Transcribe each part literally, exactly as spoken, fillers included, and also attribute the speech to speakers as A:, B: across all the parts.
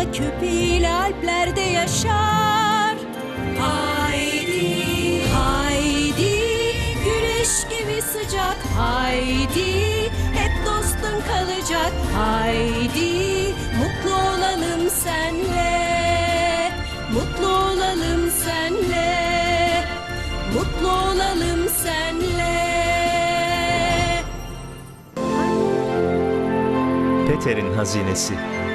A: köpeğiyle Alplerde yaşar. Haydi, haydi, güneş gibi sıcak. Haydi, hep dostun kalacak. Haydi, mutlu olalım senle. Mutlu olalım senle. Mutlu olalım senle.
B: Peter'in hazinesi.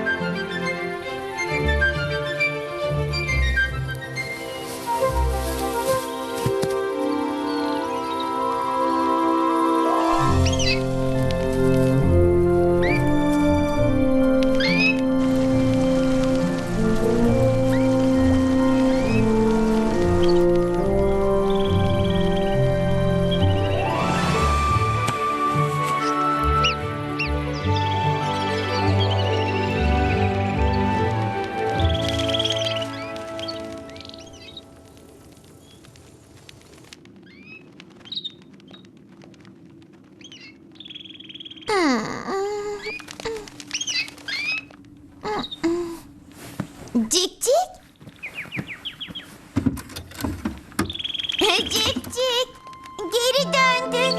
C: Cik cik. Cik cik. Geri döndün.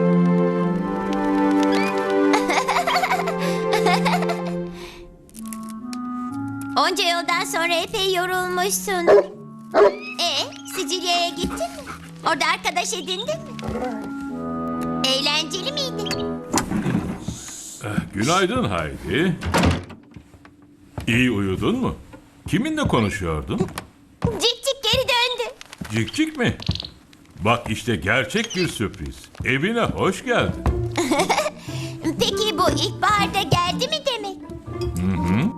C: Onca yoldan sonra epey yorulmuşsundur. E, Sicilya'ya gittin mi? Orada arkadaş edindin mi? Eğlenceli miydi?
D: Günaydın Haydi. İyi uyudun mu? Kiminle konuşuyordun?
C: Cik cik geri döndü.
D: Cikcik mi? Bak işte gerçek bir sürpriz. Evine hoş geldin.
C: Peki bu ilkbaharda geldi mi demek? Hı hı.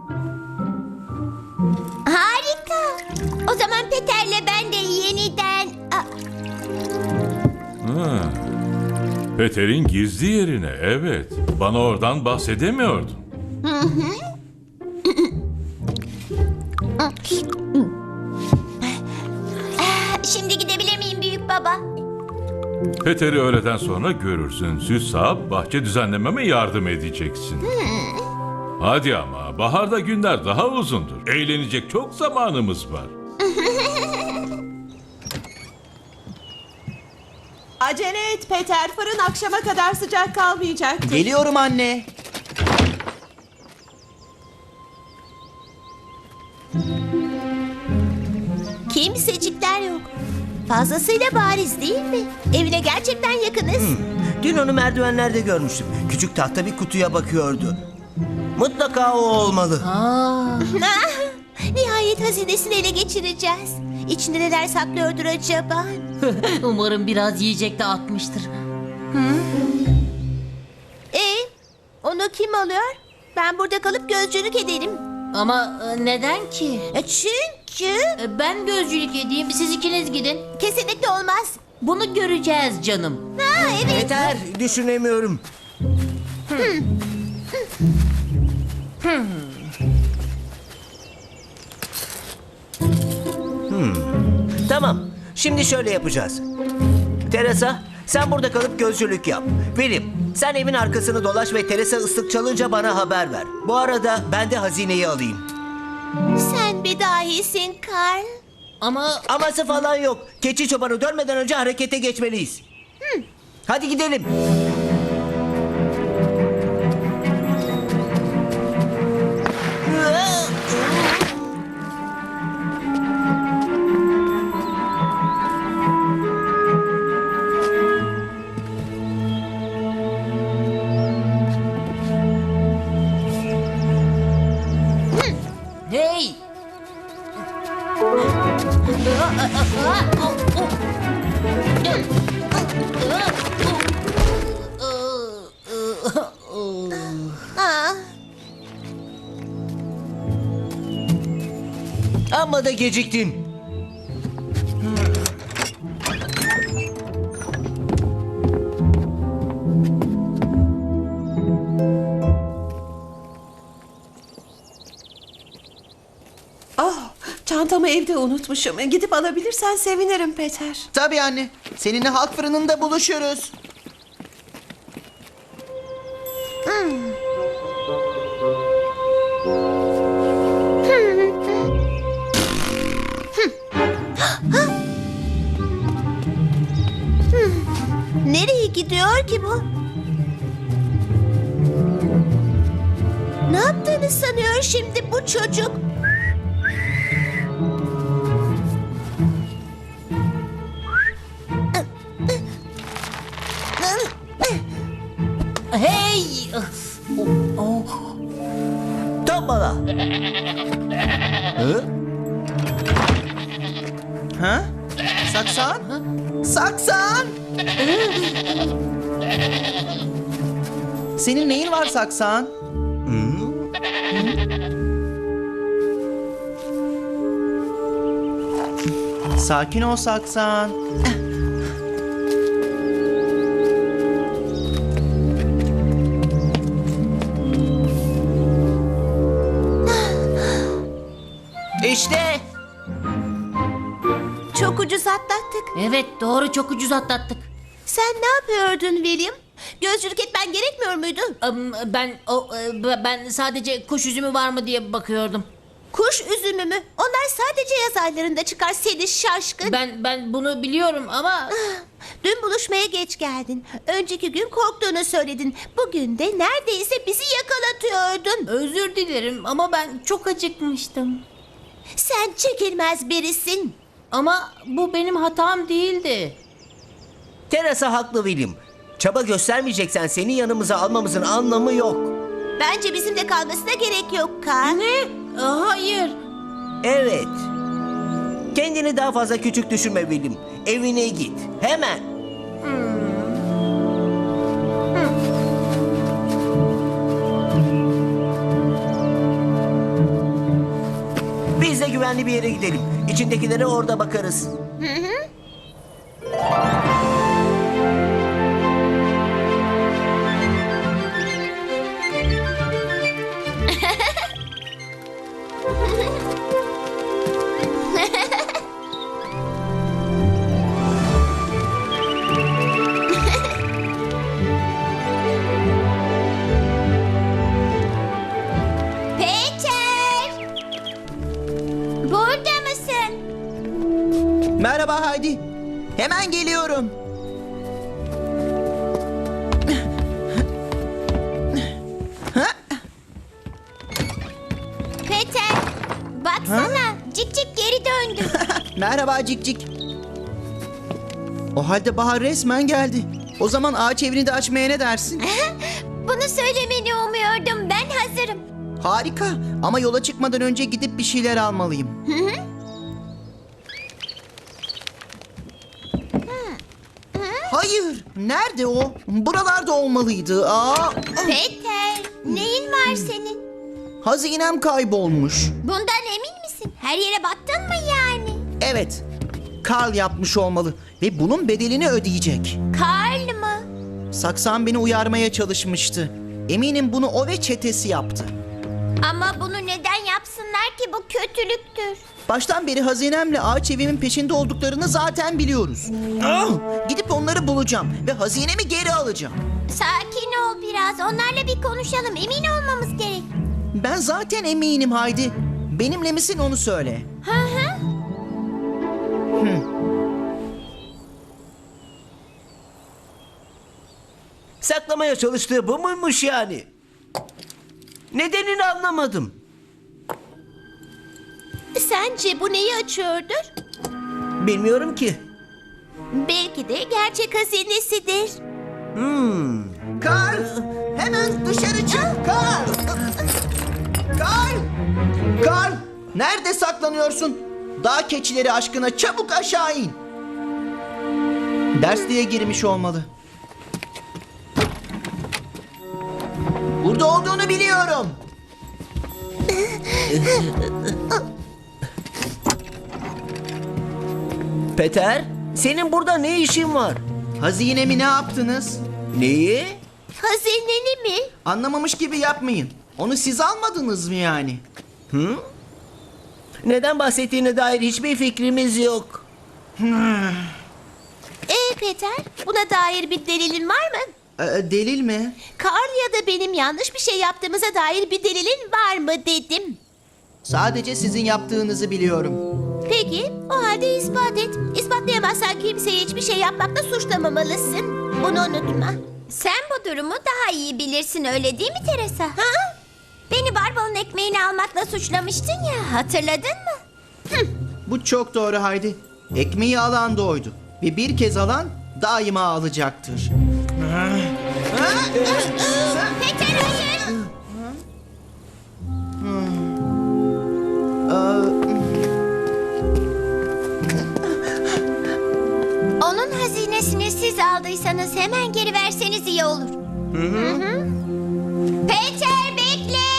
C: Harika. O zaman Peter'le ben de yeniden... Aa,
D: Ha. Peter'in gizli yerine, evet. Bana oradan bahsedemiyordun.
C: şimdi gidebilir miyim büyük baba?
D: Peter'i öğleden sonra görürsün. Süs sağıp bahçe düzenlememe yardım edeceksin. Hadi ama baharda günler daha uzundur. Eğlenecek çok zamanımız var.
E: Acele et Peter, fırın akşama kadar sıcak kalmayacaktır.
F: Geliyorum anne.
C: Kimsecikler yok. Fazlasıyla bariz değil mi? Evine gerçekten yakınız.
F: Dün onu merdivenlerde görmüştüm. Küçük tahta bir kutuya bakıyordu. Mutlaka o olmalı.
C: Ah, nihayet hazinesini ele geçireceğiz. İçinde neler saklıyordur acaba?
G: Umarım biraz yiyecek de atmıştır.
C: E, onu kim alıyor? Ben burada kalıp gözcülük ederim.
G: Ama e, neden ki?
C: E, çünkü
G: E, Ben gözcülük edeyim, siz ikiniz gidin.
C: kesinlikle olmaz.
G: Bunu göreceğiz canım.
C: Ha evet.
F: Yeter, düşünemiyorum. Hmm. Tamam, şimdi şöyle yapacağız. Teresa, sen burada kalıp gözcülük yap. William, sen evin arkasını dolaş ve Teresa ıslık çalınca bana haber ver. Bu arada ben de hazineyi alayım.
C: Sen bir dahisin Karl.
G: Ama
F: Aması falan yok. Keçi çobanı dönmeden önce harekete geçmeliyiz. Hadi gidelim.
G: hey!
C: Aa,
F: Amma da geciktin.
E: Ah, çantamı evde unutmuşum. Gidip alabilirsen sevinirim Peter.
H: Tabii anne. Seninle halk fırınında buluşuruz.
C: hmm.
A: ki bu? Ne yaptığını sanıyor şimdi bu çocuk?
G: Hey! Oh, oh.
F: Tombala. Hı?
H: Ha? Saksan? Saksan! Senin neyin var Saksan? Sakin ol Saksan.
F: İşte.
A: Çok ucuz atlattık.
G: Evet doğru, çok ucuz atlattık.
A: Sen ne yapıyordun William? Gözcülük etmen gerekmiyor muydu?
G: Am, Ben o e, ben sadece kuş üzümü var mı diye bakıyordum.
A: Kuş üzümü mü? Onlar sadece yaz aylarında çıkar seni şaşkın.
G: Ben ben bunu biliyorum ama
A: Dün buluşmaya geç geldin. Önceki gün korktuğunu söyledin. Bugün de neredeyse bizi yakalatıyordun.
G: özür dilerim ama ben çok acıkmıştım.
A: Sen çekilmez birisin.
G: Ama bu benim hatam değildi.
F: Teresa haklı William. Çaba göstermeyeceksen seni yanımıza almamızın anlamı yok.
A: Bence bizimle kalmasına gerek yok Carl.
G: Ne? Aa, hayır.
F: Evet. Kendini daha fazla küçük düşürme William. Evine git. Hemen. Biz de güvenli bir yere gidelim. İçindekilere orada bakarız.
C: Peter! Burada mısın?
H: Merhaba Haydi. Hemen geliyorum.
C: Peter! Baksana, Cik Cik geri döndü.
H: Merhaba Cikcik. O halde bahar resmen geldi. O zaman ağaç evini de açmaya ne dersin?
C: Bunu söylemeni umuyordum. Ben hazırım.
H: Harika. Ama yola çıkmadan önce gidip bir şeyler almalıyım. Hayır. Nerede o? Buralarda olmalıydı. Aa,
C: Peter, neyin var senin?
H: hazinem kaybolmuş.
C: Bundan emin misin? Her yere baktın mı yani?
H: Evet. Karl yapmış olmalı ve bunun bedelini ödeyecek.
C: Karl mı?
H: Saksan beni uyarmaya çalışmıştı. Eminim bunu o ve çetesi yaptı.
C: Ama bunu neden yapsınlar ki? Bu kötülüktür.
H: Baştan beri hazinemle ağaç evimin peşinde olduklarını zaten biliyoruz. Ah! Gidip onları bulacağım ve hazinemi geri alacağım.
C: Sakin ol biraz. Onlarla bir konuşalım. Emin olmamız gerek.
H: Ben zaten eminim Haydi. Benimle misin onu söyle.
C: Hı hı.
F: Saklamaya çalıştığı bu muymuş yani? Nedenini anlamadım.
A: Sence bu neyi açıyordur?
F: Bilmiyorum ki.
A: Belki de gerçek hazinesidir.
F: Hmm.
H: Karl! Hemen dışarı çık Karl! Karl! Karl! Nerede saklanıyorsun? Dağ keçileri aşkına çabuk aşağı in. Dersliğe girmiş olmalı. Burada olduğunu biliyorum.
F: Peter, senin burada ne işin var?
H: Hazinemi ne yaptınız?
F: Neyi?
A: Hazineni mi?
H: Anlamamış gibi yapmayın. Onu siz almadınız mı yani?
F: Neden bahsettiğine dair hiçbir fikrimiz yok.
A: Ee Peter, buna dair bir delilin var mı?
H: Ee, delil mi?
A: Carl ya da benim yanlış bir şey yaptığımıza dair bir delilin var mı dedim.
H: Sadece sizin yaptığınızı biliyorum.
A: Peki, o halde ispat et. İspatlayamazsan kimseye hiçbir şey yapmakla suçlamamalısın. Bunu unutma.
C: Sen bu durumu daha iyi bilirsin öyle değil mi Teresa? Ha? Beni Barbel'ın ekmeğini almakla suçlamıştın ya, hatırladın mı?
H: Bu çok doğru Haydi. Ekmeği alan da oydu. Ve bir kez alan daima alacaktır.
C: Peter hayır. Onun hazinesini siz aldıysanız hemen geri verseniz iyi olur. Hı hı. Peter bekle.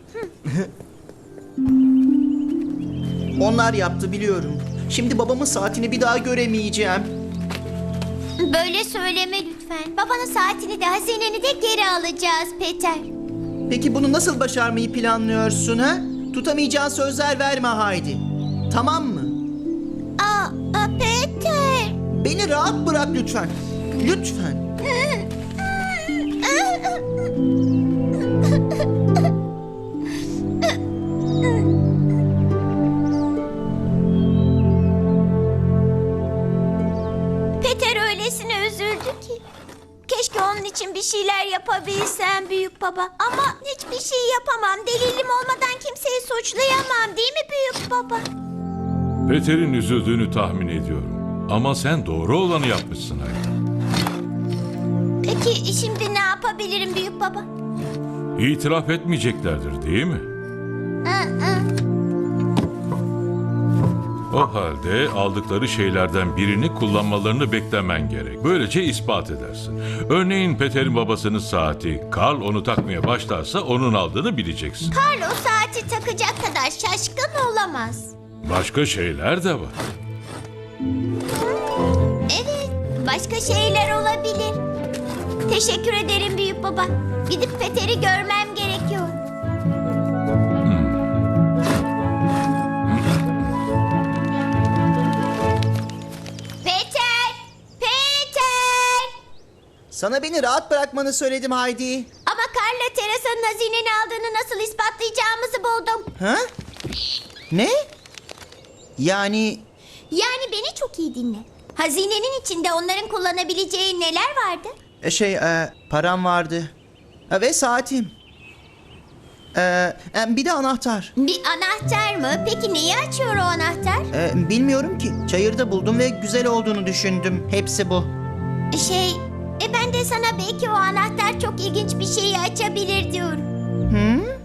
H: Onlar yaptı biliyorum. Şimdi babamın saatini bir daha göremeyeceğim.
C: Böyle söyleme lütfen. Babanın saatini de hazineni de geri alacağız Peter.
H: Peki bunu nasıl başarmayı planlıyorsun ha? Tutamayacağın sözler verme Haydi. Tamam mı?
C: Aa, aa, Peter.
H: Beni rahat bırak lütfen. Lütfen.
C: Peter öylesine üzüldü ki. Keşke onun için bir şeyler yapabilsem büyük baba. Ama hiçbir şey yapamam. Delilim olmadan kimseyi suçlayamam değil mi büyük baba?
D: Peter'in üzüldüğünü tahmin ediyorum. Ama sen doğru olanı yapmışsın Haydi.
C: Peki şimdi ne yapabilirim büyük baba?
D: İtiraf etmeyeceklerdir değil mi?
C: Aa, aa.
D: O halde aldıkları şeylerden birini kullanmalarını beklemen gerek. Böylece ispat edersin. Örneğin Peter'in babasının saati, Karl onu takmaya başlarsa onun aldığını bileceksin.
C: Karl o saati takacak kadar şaşkın olamaz.
D: Başka şeyler de var.
C: Evet, başka şeyler olabilir. Teşekkür ederim büyük baba. Gidip Peter'i görmem gerekiyor. Peter! Peter!
H: Sana beni rahat bırakmanı söyledim Haydi.
C: Ama Karl'la Teresa'nın hazineni aldığını nasıl ispatlayacağımızı buldum.
H: Ha? Ne? Yani
C: Yani beni çok iyi dinle. Hazinenin içinde onların kullanabileceği neler vardı?
H: e, şey e, param vardı. E, ve saatim. E, e, bir de anahtar.
C: Bir anahtar mı? Peki neyi açıyor o anahtar?
H: E, bilmiyorum ki. Çayırda buldum ve güzel olduğunu düşündüm. Hepsi bu.
C: Şey, e ben de sana belki o anahtar çok ilginç bir şeyi açabilir diyorum.
H: Hı?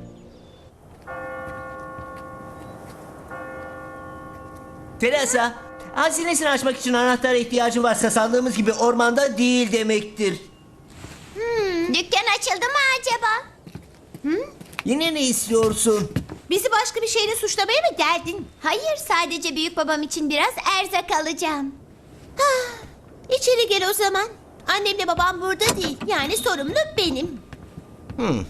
F: Teresa, hazinesini açmak için anahtara ihtiyacın varsa sandığımız gibi ormanda değil demektir.
C: Hmm, dükkan açıldı mı acaba?
F: Yine ne istiyorsun?
A: Bizi başka bir şeyle suçlamaya mı geldin?
C: Hayır, sadece büyük babam için biraz erzak alacağım.
A: Ah, içeri gel o zaman. Annemle babam burada değil. Yani sorumlu benim.
F: Hmm.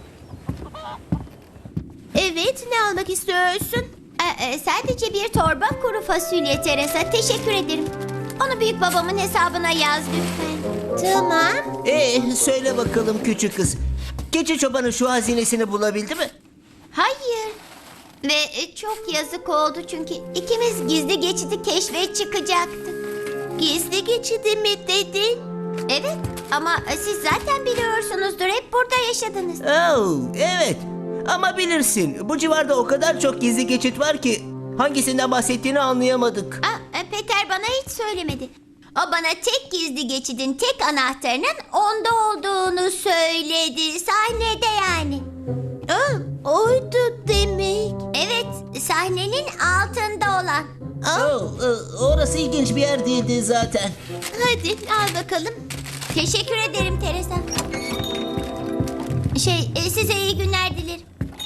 A: Evet, ne almak istiyorsun?
C: Ee, e, sadece bir torba kuru fasulye Teresa. Teşekkür ederim. Onu büyük babamın hesabına yaz lütfen.
A: Tamam.
F: Ee, söyle bakalım küçük kız. Keçi çobanı şu hazinesini bulabildi mi?
C: Hayır. Ve e, çok yazık oldu çünkü ikimiz gizli geçidi keşfe çıkacaktık.
A: Gizli geçidi mi dedin?
C: Evet ama e, siz zaten biliyorsunuzdur. Hep burada yaşadınız.
F: Oh, evet. Ama bilirsin, bu civarda o kadar çok gizli geçit var ki hangisinden bahsettiğini anlayamadık.
C: Aa, e, Peter bana hiç söylemedi. O bana tek gizli geçidin tek anahtarının onda olduğunu söyledi. Sahnede yani.
A: Aa, oydu demek.
C: Evet, sahnenin altında olan.
F: Oh, e, orası ilginç bir yer değildi zaten.
A: Hadi al bakalım.
C: Teşekkür ederim Teresa. Şey, e, size iyi günler dilerim.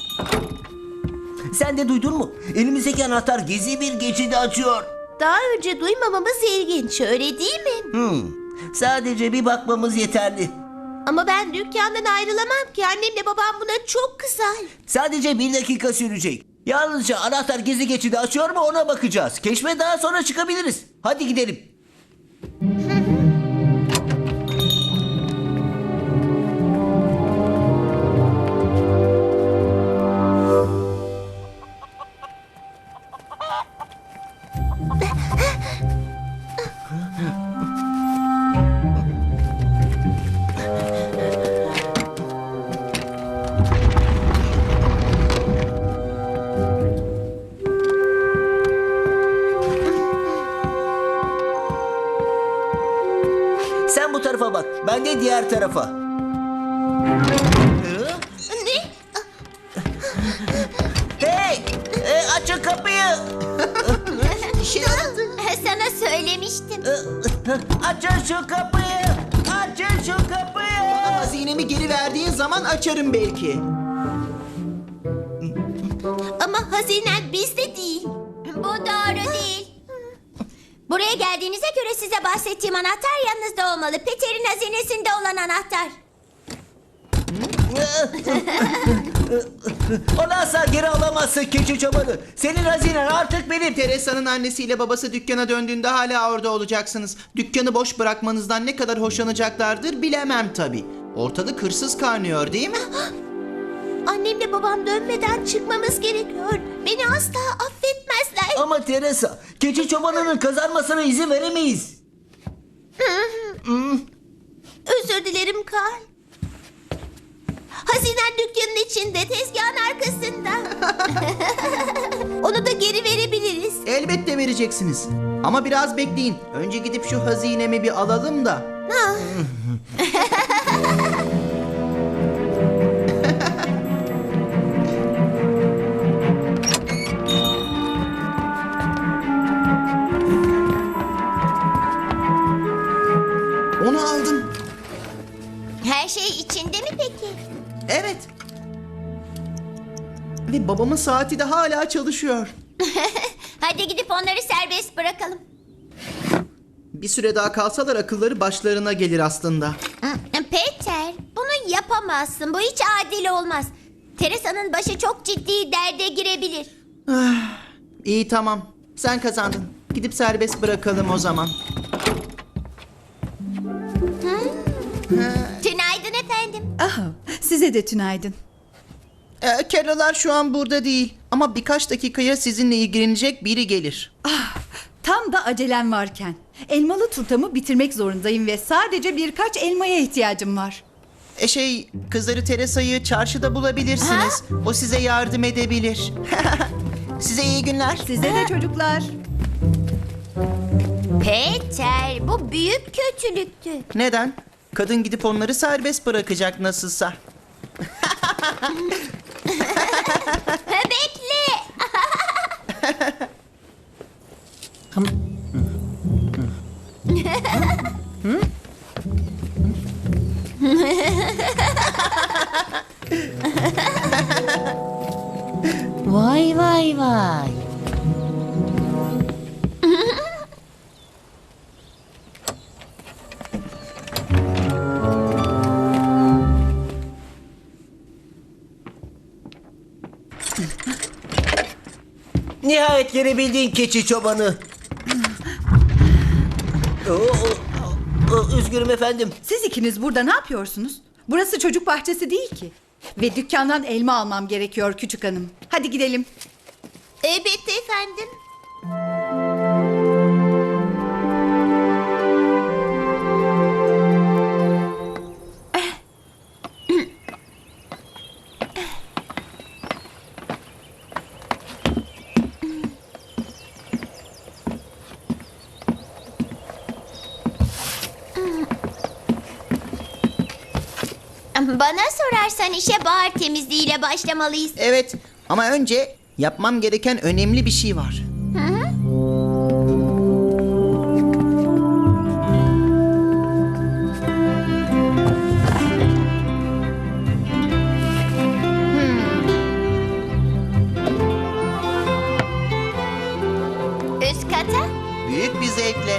F: Sen de duydun mu? Elimizdeki anahtar gizli bir geçidi açıyor.
A: Daha önce duymamamız ilginç, öyle değil mi?
F: Hmm, sadece bir bakmamız yeterli.
A: Ama ben dükkandan ayrılamam ki. Annemle babam buna çok kızar.
F: Sadece bir dakika sürecek. Yalnızca anahtar gizli geçidi açıyor mu ona bakacağız. Keşfe daha sonra çıkabiliriz. Hadi gidelim. tarafa bak. Ben de diğer tarafa.
A: Ne?
F: Hey! E, açın kapıyı!
H: İşe yaradı.
C: Sana söylemiştim.
F: Açın şu kapıyı! Açın şu kapıyı!
H: Hazinemi geri verdiğin zaman açarım belki.
A: Ama hazinen bizde değil.
C: Bu doğru değil. Buraya geldiğinize göre size bahsettiğim anahtar yanınızda olmalı. Peter'in hazinesinde olan anahtar.
F: Onu asla geri alamazsın keçi çobanı. Senin hazinen artık benim.
H: Teresa'nın annesiyle babası dükkana döndüğünde hala orada olacaksınız. Dükkanı boş bırakmanızdan ne kadar hoşlanacaklardır bilemem tabii. Ortalık hırsız kaynıyor değil mi?
A: Annemle babam dönmeden çıkmamız gerekiyor. Beni asla affetmezler.
F: Ama Teresa, keçi çobanının kazanmasına izin veremeyiz.
A: Özür dilerim Karl. Hazinen dükkanın içinde, tezgahın arkasında. Onu da geri verebiliriz.
H: Elbette vereceksiniz. Ama biraz bekleyin. Önce gidip şu hazinemi bir alalım da. Onu aldım.
C: Her şey içinde mi peki?
H: Evet. Ve babamın saati de hala çalışıyor.
C: Hadi gidip onları serbest bırakalım.
H: Bir süre daha kalsalar akılları başlarına gelir aslında.
C: Peter, bunu yapamazsın. Bu hiç adil olmaz. Teresa'nın başı çok ciddi derde girebilir.
H: İyi tamam. Sen kazandın. Gidip serbest bırakalım o zaman.
C: Tünaydın efendim.
I: Aha, size de tünaydın.
H: Ee, Kelolar şu an burada değil. Ama birkaç dakikaya sizinle ilgilenecek biri gelir.
I: Tam da acelem varken. Elmalı turtamı bitirmek zorundayım ve sadece birkaç elmaya ihtiyacım var.
H: E şey, kızları Teresa'yı çarşıda bulabilirsiniz. O size yardım edebilir. Size iyi günler.
I: Size de çocuklar.
C: Peter, bu büyük kötülüktü.
H: Neden? Kadın gidip onları serbest bırakacak nasılsa.
C: Bekle.
G: Vay vay vay.
F: Nihayet gelebildiğin keçi çobanı. Oo, oo, oo, üzgünüm efendim.
I: Siz ikiniz burada ne yapıyorsunuz? Burası çocuk bahçesi değil ki. Ve dükkandan elma almam gerekiyor küçük hanım. Hadi gidelim.
A: Elbette efendim.
C: Bana sorarsan işe bahar temizliğiyle başlamalıyız.
H: Evet ama önce yapmam gereken önemli bir şey var.
C: Üst kata.
H: Büyük bir zevkle.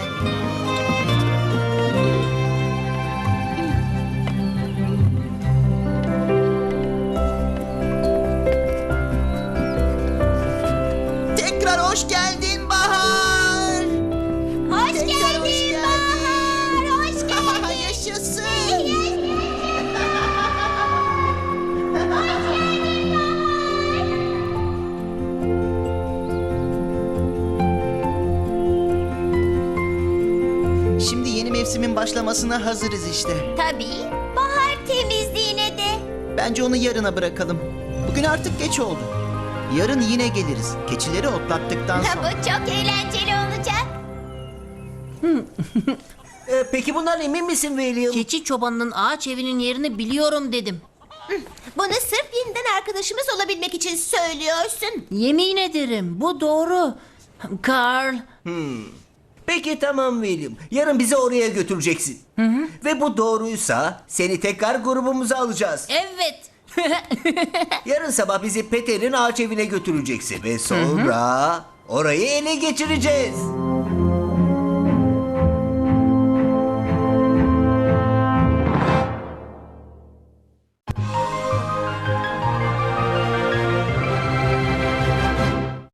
H: Tekrar hoş geldin Bahar.
C: Hoş
H: Tekrar
C: geldin
H: hoş geldin.
C: Bahar. Hoş geldin.
H: Yaşasın. Şimdi yeni mevsimin başlamasına hazırız işte.
C: Tabii. Bahar temizliğine de.
H: Bence onu yarına bırakalım. Bugün artık geç oldu. Yarın yine geliriz. Keçileri otlattıktan
C: Ha,
H: sonra.
C: bu çok eğlenceli olacak.
F: Ee, peki bundan emin misin William?
G: Keçi çobanının ağaç evinin yerini biliyorum dedim.
A: Bunu sırf yeniden arkadaşımız olabilmek için söylüyorsun.
G: Yemin ederim bu doğru. Carl,
F: Peki tamam William. Yarın bizi oraya götüreceksin. Ve bu doğruysa seni tekrar grubumuza alacağız.
G: evet.
F: Yarın sabah bizi Peter'in ağaç evine götüreceksin. Ve sonra orayı ele geçireceğiz.